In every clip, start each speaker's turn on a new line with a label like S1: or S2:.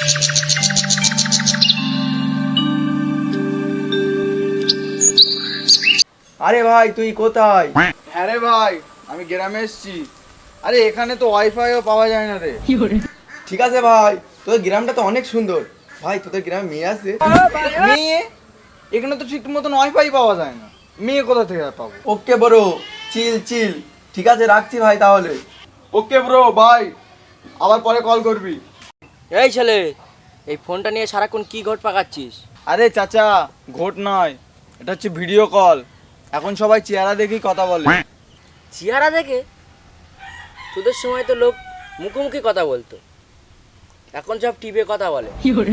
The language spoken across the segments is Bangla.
S1: আরে ভাই তুই কোথায়?
S2: হ্যাঁ রে ভাই, আমি গ্রামে এসেছি। আরে এখানে তো ওয়াইফাইও পাওয়া যায় না রে।
S1: ঠিক আছে ভাই, তোদের গ্রামটা তো অনেক সুন্দর। ভাই তোদের গ্রামে মেয়ে আছে?
S2: মেয়ে? এখানে তো ঠিক মতন ওয়াইফাই পাওয়া যায় না, মেয়ে কোথা থেকে পাবো?
S1: Okay bro, chill chill. ঠিক আছে রাখছি ভাই তাহলে।
S2: Okay bro, bye. আবার পরে কল করবি।
S3: এই ছেলে, এই ফোনটা নিয়ে সারাক্ষণ কি ঘট পাকাচ্ছিস?
S2: আরে চাচা, ঘোট নয়, এটা হচ্ছে ভিডিও কল। এখন সবাই চেহারা দেখেই কথা বলে।
S3: চেহারা দেখে? তোদের সময় তো লোক মুখোমুখি কথা বলতো, এখন সব টিপে কথা বলে।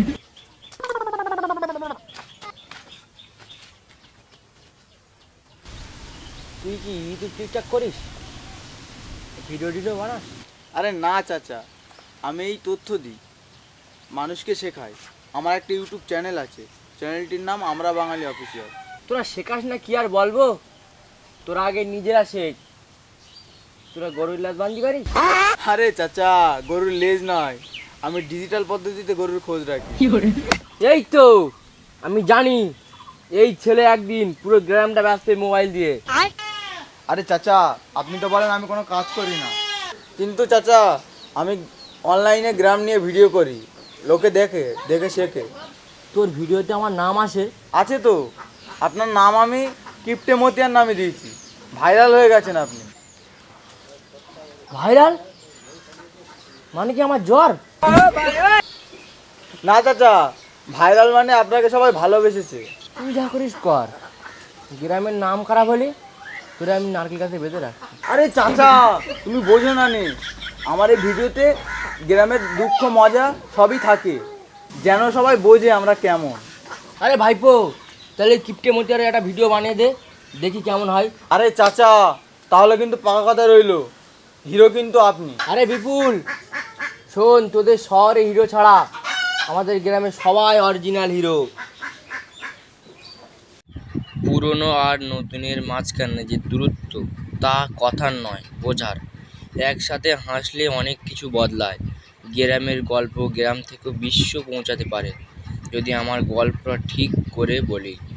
S3: তুই কি ইউটিউব টিকটক করিস? ভিডিও টিডিও বানাস?
S2: আরে না চাচা, আমি এই তথ্য দিই, মানুষকে শেখাই। আমার একটা ইউটিউব চ্যানেল আছে, চ্যানেলটির নাম আমরা বাঙালি অফিসিয়াল।
S3: তোরা শেখাস না কি আর বলবো, তোরা আগে নিজেরা শেখ। তোরা গরুর লাশ বান্ধি পারিস?
S2: আরে চাচা, গরুর লেজ নয়, আমি ডিজিটাল পদ্ধতিতে গরুর খোঁজ রাখি।
S3: এই তো আমি জানি, এই ছেলে একদিন পুরো গ্রামটা ব্যস্ত মোবাইল দিয়ে।
S2: আরে চাচা, আপনি তো বলেন আমি কোনো কাজ করি না, কিন্তু চাচা আমি অনলাইনে গ্রাম নিয়ে ভিডিও করি, লোকে দেখে দেখে শেখে।
S3: তোর ভিডিওতে আমার নাম আসে?
S2: আছে তো, আপনার নাম আমি কিপ্টে মতিয়ার নামে দিয়েছি, ভাইরাল হয়ে গেছেন আপনি।
S3: ভাইরাল মানে কি আমার জ্বর?
S2: না চাচা, ভাইরাল মানে আপনাকে সবাই ভালোবেসেছে।
S3: তুই যা করিস কর, গ্রামের নাম খারাপ হলে তোরা আমি নারকেল গাছে বেঁধে রাখ।
S2: আরে চাচা, তুমি বোঝো না নে, আমার এই ভিডিওতে গ্রামের দুঃখ মজা সবই থাকে, যেন সবাই বোঝে আমরা কেমন।
S3: আরে ভাইপো, তাহলে কিপটে মতিয়ারে একটা ভিডিও বানিয়ে দে, দেখি কেমন হয়।
S2: আরে চাচা, তাহলে কিন্তু পাকা কথা রইলো, হিরো কিন্তু আপনি।
S3: আরে বিপুল শোন, তোদের শহরে হিরো ছাড়া আমাদের গ্রামে সবাই অরিজিনাল হিরো। পুরনো আর নতুনের মাঝখানে যে দূরত্ব, তা কথার নয়, বোঝার। একসাথে হাসলে অনেক কিছু বদলায়। গ্রামের গল্প গ্রাম থেকে বিশ্ব পৌঁছাতে পারে, যদি আমার গল্পটা ঠিক করে বলি।